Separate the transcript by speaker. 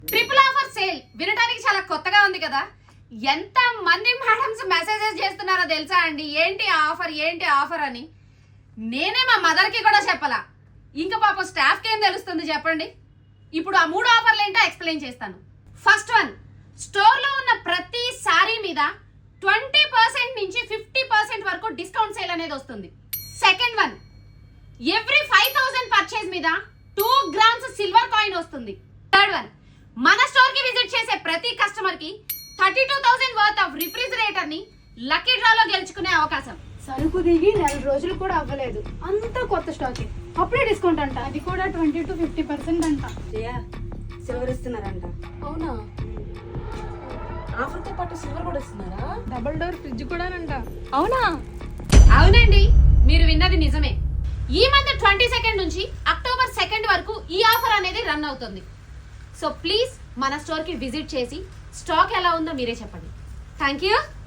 Speaker 1: Triple offer sale వినడానికి చాలా కొత్తగా ఉంది కదా. ఎంత మంది మేడమ్స్ మెసేజెస్ చేస్తున్నారో తెలుసా అండి, ఏంటి ఆఫర్ అని. నేనే మా మదర్ కి కూడా చెప్పలా, ఇంకా పాపం స్టాఫ్ కి ఏం తెలుస్తుంది చెప్పండి. ఇప్పుడు ఆ 3 ఆఫర్లు ఏంటో ఎక్స్ప్లెయిన్ చేస్తాను. ఫస్ట్ వన్, స్టోర్ లో ఉన్న ప్రతి సారీ మీద 20% నుంచి 50% వరకు డిస్కౌంట్ సేల్ అనేది వస్తుంది. సెకండ్ వన్, ఎవ్రీ 5000 పర్చేజ్ మీద 2 గ్రామ్స్ సిల్వర్ కాయిన్ వస్తుంది. థర్డ్ వన్, మన స్టోర్ కి విజిట్ చేసే ప్రతి కస్టమర్ కి 32,000 వర్త్ ఆఫ్ రిఫ్రిజిరేటర్ ని లక్కీ డ్రాలో గెలుచుకునే అవకాశం.
Speaker 2: సరుకు దిగి 4 రోజులు కూడా అవ్వలేదు, అంతా కొత్త స్టాక్, అప్పుడే డిస్కౌంట్ అంట, అది కూడా 20 to 50% అంట.
Speaker 3: సిల్వర్ ఇస్తున్నారంట.
Speaker 2: అవునా?
Speaker 3: ఆఫర్ తో పాటు సిల్వర్ కూడా ఇస్తున్నారా?
Speaker 2: డబుల్ డోర్ ఫ్రిడ్జ్ కూడా అంట.
Speaker 3: అవునా?
Speaker 1: అవునండి, మీరు విన్నది నిజమే. ఈ మంత్ 22 నుంచి అక్టోబర్ 2 వరకు ఈ ఆఫర్ అనేది రన్ అవుతుంది. సో ప్లీజ్ మన స్టోర్ కి విజిట్ చేసి స్టాక్ ఎలా ఉందో మీరే చెప్పండి. Thank you.